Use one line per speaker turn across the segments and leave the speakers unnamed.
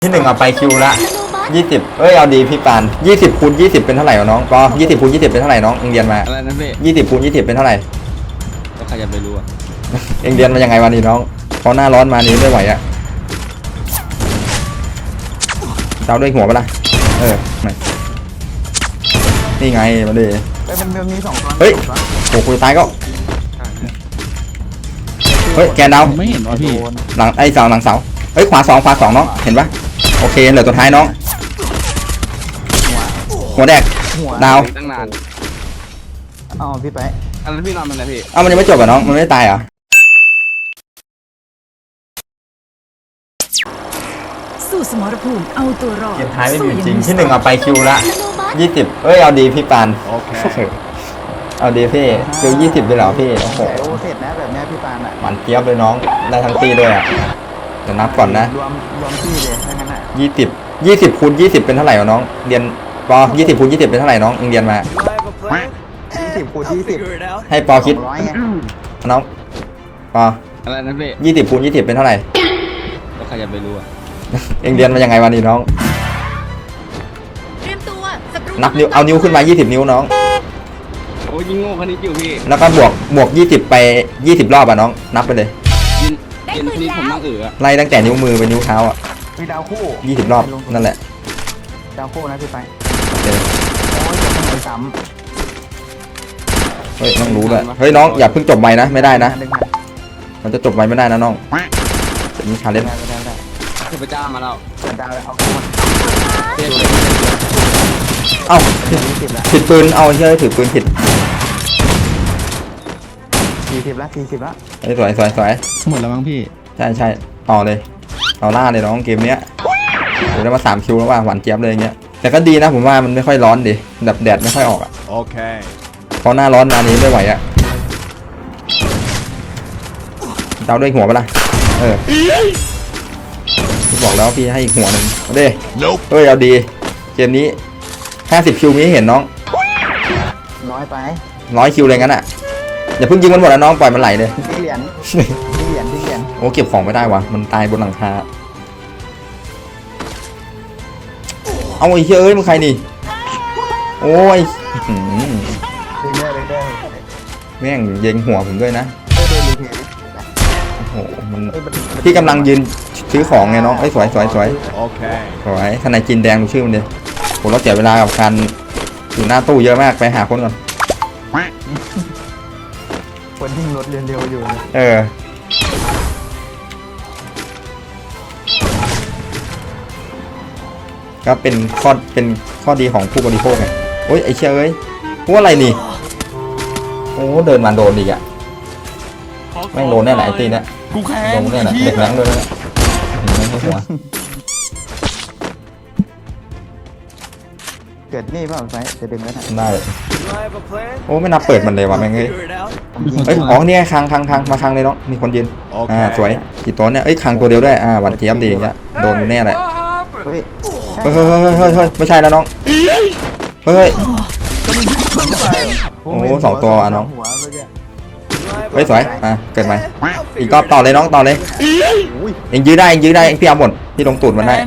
ที่หนึ่งเอาไปคิวละ20เอ้ยเอาดีพี่ปาน20คูณ20เป็นเท่าไหร่วะน้องปอ20คูณ20เป็นเท่าไหร่น้องเอ็งเรียนมา
อะไรนะพี่
20คูณ20เป็นเท่าไหร่
ก็ใครจะไปรู้อ่ะ
เอ็งเรียนมายังไงวันนี้น้องพอหน้าร้อนมานี้ไม่ไหวอะเจ้าด้วยหัวปะล่ะนี่ไงมาดิ
มันมี2 ตัว
เฮ้ยโอ้คุยตายก็เฮ้ยแกนดาว
ไม่เห็นวะพี่
หลังไอ้เสาหลังเสาเฮ้ยขวา2น้องเห็นปะโอเคเหลือตัวท้ายน้องหัวแดกดาว
ตั้งนาน
อ๋อพี่ไป
อันนั้นพี่นอนมันนะพี่
มันยังไม่จบอ่ะน้องมันไม่ตายเหรอ
สู้สมรภูมิเอาตัวรอด
เกมท้ายไม่มีจริงที่หนึ่งเอาไปคิวละ20เอ้ยเอาดีพี่ปานโอเคเอาดีพี่คิว20เลยเหรอพี่โอ้โห
เสร็จนะแบบนี้พี่ปานอ่ะ
หวานเจี๊ยบเลยน้องได้ทั้งตีด้วยอ่ะจะนับก่อนนะ
รวมที่เลยถ้างั้นอ่ะ
20คูณ20เป็นเท่าไหร่วะน้องเรียนปอ20คูณ20เป็นเท่าไหร่น้องเอ็งเรียนมา
20คูณ20
ให้ปอคิดน้องปอ
อะไรนะพี่
20คูณ20เป็นเท่าไหร่
ก็ใครจะไปรู้อ่ะ
เอ็งเรียนมายังไงวันนี้น้องนับนิ้วเอานิ้วขึ้นมา20นิ้วน้อง
โอ้ยิงโง่คนนี้อยู่พี่
แล้วก็บวก20ไป20รอบอ่ะน้องนับไปเลย
ยินนี้ผมนั่ง
ไล่ตั้งแต่นิ้วมือไปนิ้วเท้าอ่ะ
มีดาวคู่
20รอบนั่นแหละ
ดาวคู่นะพี่ไป
โอ้
ยจะไม่ซ้
เฮ้ยน้องรู้เลยเฮ้ยน้องอย่าเพิ่งจบไวนะไม่ได้นะมันจะจบไวไม่ได้นะน้องจะมีชาเลนจ์
เทพเจ้ามาแล้ว
ดาวเอา
เอ้าผิดปืนเอาเชื่อถือปืนผิด
40ละ
สวย
หมดแล้วมั้งพี่
ใช่ต่อเลยต่อล่าเลยน้องเกมเนี้ยโอ้ได้มา3คิวแล้วว่าหวานเจี๊ยบเลยอย่างเงี้ยแต่ก็ดีนะผมว่ามันไม่ค่อยร้อนดิแบบแดดไม่ค่อยออกอ่ะ
โอเค
พอหน้าร้อนมานี้ไม่ไหวอ่ะเจ้าด้วยหัวปะล่ะพี่บอกแล้วพี่ให้อีกหัวหนึ่งเอาดิเฮ้ยเอาดีเกมนี้50คิวมีให้เห็นน้อง
น้อยไป
100คิวเลยงั้นอ่ะอย่าเพิ่งยิงมันหมดนะน้องปล่อยมันไหลเลย
ที่เหรียญ
โอ้เก็บของไม่ได้วะมันตายบนหลังคาเอาไอ้เฮ้ยมึงใครนี่โอ้ยแม่งเย็งหัวผมด้วยนะโอ้โหมันพี่กำลังยืนซื้อของไงน้องไอ้สวย
โอเค
สวยทนายจีนแดงดูชื่อมันดิผมเราเสียเวลากับการอยู่หน้าตู้เยอะมากไปหาคนก่อน
คนยิ่งรถเร็วๆอยู่
ก็เป็นข้อดีของผู้บริโภคไงโอ้ยไอ้เชี่ยเอ้ยพวกอะไรนี่โอ้เดินมาโดนอีกอ่ะแม่งโดนแน่ไหนไอ้ตีเนี่ยโดนแน่ไหนเด็กแรงด้วยนะหัว
เกิดนี่เปล่าไฟจะดึงแล้ว
ได้โอ้ไม่นับเปิดมันเลยว่ะแม่งเฮ้ยอ๋อเนี่ยคังมาคังเลยน้องมีคนยืนสวยกี่ตัวเนี่ยเอ้ยคังตัวเดียวด้วยหวานเจี๊ยบดีอย่างเงี้ยโดนแน่เลยเฮ้ยไม่ใช่แล้วน้องเฮ้ยโอ้2ตัวน้องเฮ้ยสวยเกิดไหมอีกรอบต่อเลยน้องต่อเลยเอ็งยื้อได้พี่เอาหมดพี่ลงตูดมันได้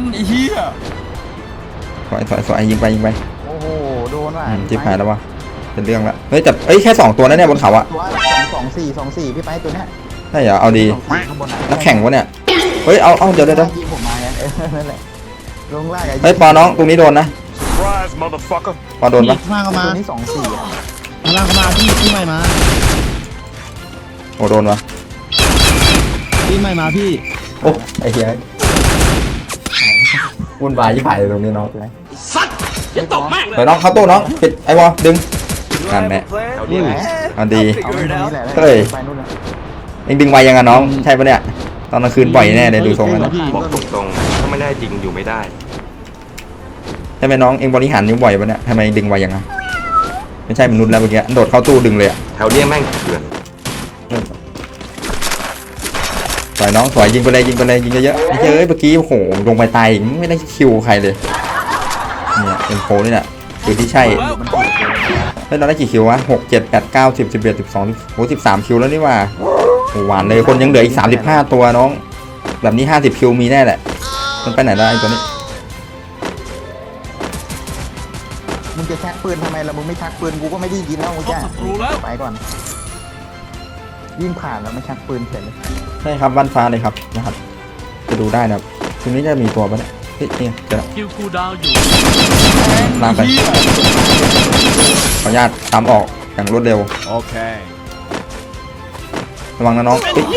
สวยยิงไป
โอ้โหโดนว่ะ
จิ๊บหายแล้ววะเป็นเรื่องละเฮ้ยแต่แค่2ตัวนั่นเนี่ยบนเขาอะ
2 4พี่ไปตัวเนี้ย
ใช่เหรอเอาดีนักแข่งวะเนี่ยเฮ้ยเอาเดี๋ยว
ยิงผมมานั่นแหละลงล่าง
เฮ้ยปอน้องตรงนี้โดนนะปอโดนปะ
ล่างเข้ามาตัวนี้
ล่างเข้ามาพี่ใหม่มา
โอ้โดนวะ
พี่ใหม่มาพี่
โอ้ไอ้เหี้ยวุ่นวายยิ่งผ่านเลยตรงนี้น้อง
สัตว์อย่าตกแม่ง
เลยน้องเข้าตู้น้องปิดไอ้วอดึงกันแม่เอาดีเฮ้ยเอ็งดึงไวยังไงน้องใช่ปะเนี่ยตอนกลางคืนปล่อยแน่เลยดูทรงแล้ว
บอกตรงๆถ้าไม่ได้จริงอยู่ไม่ได้
ใช่ไหมน้องเอ็งบริหารนิ้วบ่อยปะเนี่ยทำไมดึงไวยังไงไม่ใช่มนุษย์แล้วเมื่อกี้โดดเข้าตู้ดึงเลยอะ
แถวเนี้ยแม่งเถื่อน
สวยน้องสวยยิงไปเลยยิงเยอะๆไม่ใช่เมื่อกี้โอ้โหลงไปตายไม่ได้คิวใครเลยเนี่ยเป็นโคนี่แหละคือที่ใช่เฮ้ยเราได้กี่คิววะ6 7 8 9 10 11 12โอ้13คิวแล้วนี่ว่าหวานเลยคนยังเหลืออีก35ตัวน้องแบบนี้50คิวมีแน่แหละมันไปไหนได้ไอ้ตัวนี้
มึงจะชักปืนทำไมล่ะมึงไม่ชักปืนกูก็ไม่ได้ยินแล้วมึงจ้าไปก่อนวิ่งผ่านแล้วไม่ชักปืนเสร็จเลย
ใช่ครับบ้านฟ้าเลยครับนะครับจะดูได้นะครับทีนี้จะมีตัวปะเนี่ยเฮ้ยนี่เจอแล้ว
คิวคูลดาวน์อยู่
ลากไปขออนุญาตตามออกอย่างรวดเร็ว
Okay.
ระวังนะน้องเฮ้ย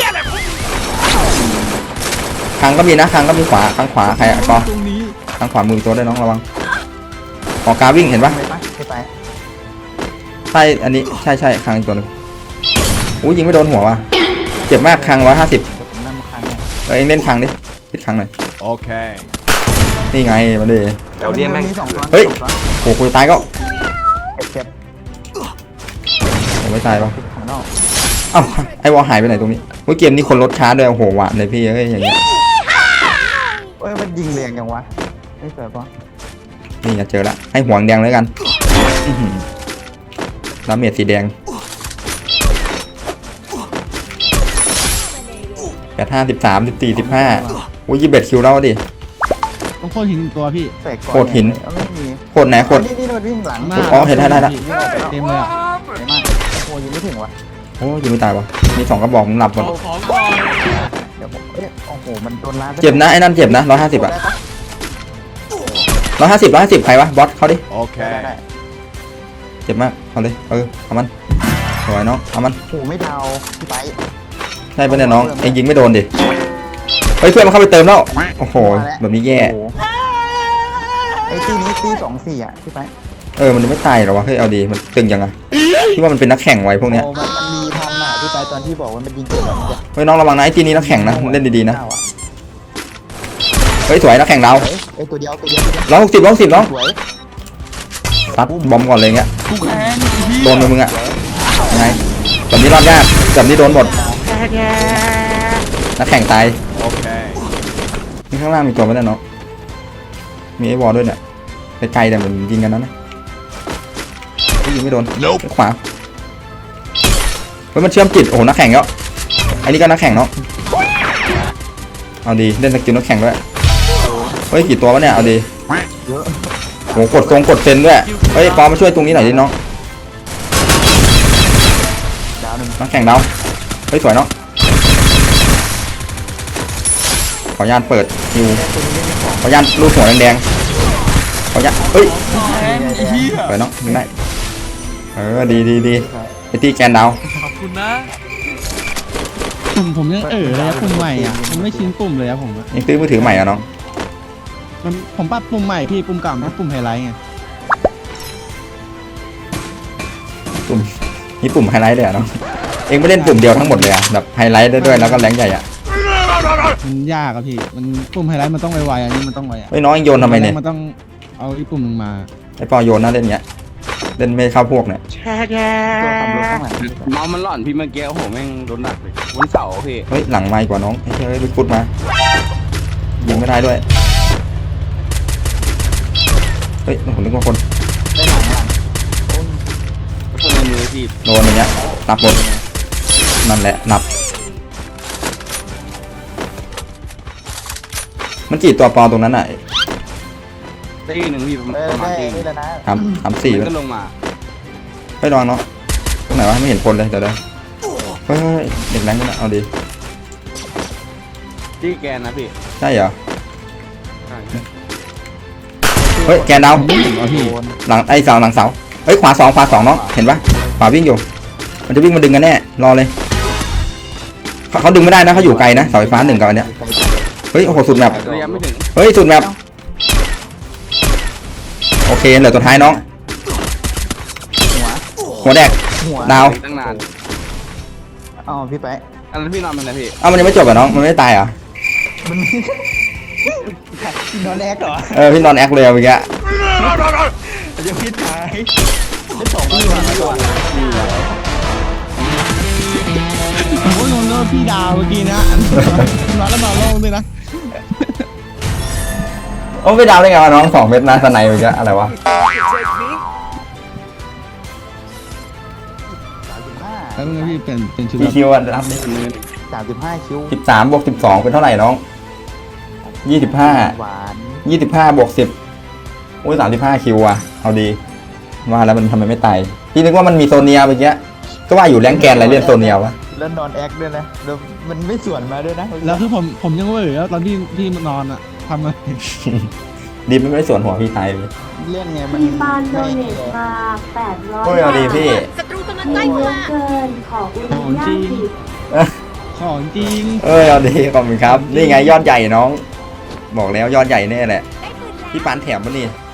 คางก็มีนะคางก็มีขวาข้างขวาใครอะกอ
ตรงนี้
ข้างขวามือตัวได้วยน้องระวังออกกาวิ่งเห็นปะ
ไปปะไป
ใช่อันนี้ใช่คางอีกตัวหนึงอุ้ยยิงไม่โดนหัวว่ะเจ็บมากคาง150
ผมนั่งคันเนี่ย
เองเล่นคางดิปิดคางหน่อย
Okay.
นี่ไงมาดิ
แถวเนี้ยแม่ง
มีสองตัว
เฮ้ย โอ้โหตายก็
เจ็บ
ผมไม่ตายปะ
ข้างนอก
เอ้าไอวอลหายไปไหนตรงนี้เฮ้ยเกมนี้คนลดช้าด้วยโอ้โหหวานเลยพี่เอ้ยอย่างเงี้ย
เอ้ยมันยิงแรงจังวะไม่สวยปะ
นี่ไงเจอละให้หัวแดงเลยกันอื้อหือดาเมจสีแดง8 5 13 14 15อุ้ย21 คิวแล้วดิ
ต้องโค่นหินตัวพี่
เสกก่อน
โคตรหิน
ไม่มี
โคตรไหนโคตร
นี่มันวิ่งหลัง
มา
อ๋อเห็นได้ละ
เต็มเลยอะ
เห็นมากโอ้ยิงไม่ถึงวะ
โอ้ยังไม่ตายวะมี2กระบอกมึงหลับหมด
เอาของก่อน
เดี๋ยวผมโอ้โหมันโดนล้าน
เจ็บนะไอ้นั่นเจ็บนะ150อะ150ใครวะบอสเขาดิ
ได้ได้
Okay.
เจ็บมากเอาเลยเอามันสวยน้องเอามัน
โอ้ไม่ดาวพี่ไป
ใช่ปะเนี่ยน้องเองยิงไม่โดนดิเฮ้ยเพื่อนมันเข้าไปเติมแล้วโอ้โหแบบนี้แย่
โอ้โหไอ้ที่นี้ที่24อ่ะพี่ไป
มันจะไม่ตายหรอวะเฮ้ยเอาดีมันตึงยังไงที่ว่ามันเป็นนักแข่งไว้พวกเนี้ย
โอ้มันมีทำอ่ะพี่ไปตอนที่บอกว่ามันยิงเกิดแบบนี้
เฮ้ยน้องระวังนะไอ้ทีนี้นักแข่งนะเล่นดีๆนะเฮ้ยสวยนักแข่งเรา
ไอ้ตัวเดียว
160น้อง
สวย
ซัดบอมก่อนเลยเงี้ยโดนมึงอะไงแบบนี้รอดยากแบบนี้โดนหมดนักแข่งตาย
Okay.
นี่ข้างล่างมีตัวไหมเนี่ยน้องมีไอ้วอลด้วยเนี่ยไกลๆแต่มันยิงกันนะยิงไม่โดนขวาเฮ้ยมันเชื่อมจิตโอ้โหนักแข่งแล้วอันนี้ก็นักแข่งเนาะเอาดีเล่นสกิลนักแข่งด้วยเฮ้ยกี่ตัววะเนี่ยเอาดี
เยอะ
โหกดกดเซนด้วยเฮ้ยปอมาช่วยตรงนี้หน่อยดิน้อง
ดาวหนึ่ง
นักแข่งดาวเฮ้ยสวยเนาะขออนุญาตเปิดฮิวขออนุญาตลูกหัวแดงๆขออนุญาตเฮ้ยสวยเนาะยิงได้ดีไอตีแกนดาว
ขอบคุณนะ
ผมยังเลยอะปุ่มใหม่อ่ะมันไม่ชินปุ่มเลยอะผมอะ
ยังซื้อมือถือใหม่อะน้อง
ผมปรับปุ่มใหม่พี่ปุ่มเก่าเป็นปุ่มไฮไลท์ไง
ปุ่มนี่ปุ่มไฮไลท์เลยอะน้องเองไม่เล่นปุ่มเดียวทั้งหมดเลยอะแบบไฮไลท์ได้ด้วยแล้วก็แรงใหญ่อะ
มันยากอะพี่มันปุ่มไฮไลท์มันต้องไวๆอันนี้มันต้องไวอะ
เฮ้ยน้องเองโยนทำไมเนี่ย
มันต้องเอาอีกปุ่มหนึ่งมา
ไอปอโยนน่าเล่นเงี้ยเล่นไม่เข้าพวกเนี่ย
ตัวทำรถข้างหลัง
เมาส์มันหล่อนพี่เมื่อกี้โอ้โหแม่งโดนหนักเลยบนเสาพี่
เฮ้ยหลังไม้กว่าน้องไอ้เฮ้ยลุกฟุตมายิงไม่ได้ด้วยเฮ้ยผมนึกว่าคน
ได้หลัง
คนในมือพี่
โดนอย่างเงี้ยนับหมดนั่นแหละนับมันกี่ตัวปอตรงนั้นอ่ะ
ได้หนึ่งพี่ประ
ได้
มาณ
ได้
ตี
นี่แล้วนะ
3 4
มันก็ลงมา
เฮ้ยระวังเนาะตรงไหนวะไม่เห็นคนเลยเดี๋ยวเฮ้ยเด็กแรงกันนะเอาดี
ที่แกนนะพี่
ใช่เหรอเฮ้ยแกนดาว
ผมไม่เห็นว่ะพี่
หลังไอ้เสาหลังเสาเฮ้ยขวา2น้องเห็นปะขวาวิ่งอยู่มันจะวิ่งมาดึงกันแน่รอเลยเขาดึงไม่ได้นะเขาอยู่ไกลนะเสาไฟฟ้า1กับอันเนี้ยเฮ้ยโอ้โหสุดแมป
ระยะไม่ถึง
เฮ้ยสุดแมปโอเคเหลือตัวท้ายน้องหัวแดก
หัว
ดาว
ตั้งนาน
อ๋อพี่ไป
อันนั้นพี่นอนมันนะพี่
เอ้ามันยังไม่จบเหรอน้องมันไม่ได้ตายเหรอ
มันนอนแอกเหรอ
พี่นอนแอคเลยเมื่อกี้
จะพิษหายได้สองที่ว่ะไม่ว่ะ
ผมก็งงว่าพี่ดาวเมื่อกี้นะมาแล้วมาลงด้วยนะ
โอ้ไปดาวได้ไงวะน้อง2 เม็ดนะสไนเมื่อกี้อะไรวะ
แล้วมึงพี่เป็นชุด
กี่คิวอะรับดิ
35 คิว
13 บวก 12เป็นเท่าไหร่น้อง
หวาน
25 บวก 10 โอ้ย 35 คิวอ่ะ เอาดี ว่าแล้วมันทำไมไม่ตาย พี่นึกว่ามันมีโซเนียเมื่อกี้ ก็ว่าอยู่แรงแกนอะไรเล่นโซเนียวะ
แล้วนอนแอคด้วยนะแล้วมันไม่สวนมาด้วยนะ
แล้วคือผมยังเว่อแล้วตอนที่มันนอนอะทำไง
ดีไม่ได้ส่วนหัวพี่ตายเลย
เล่นไงมัน
มีปานโดเนทมา800
โอ้ยเอาดีพี่
ศัตรูกำลังใกล้มาเกินขออุณญาตผิด
ของจริง
เอาดีขอบคุณครับ นี่ไงยอดใหญ่น้อง บอกแล้วยอดใหญ่แน่แหละ พี่ปานแถมมานี่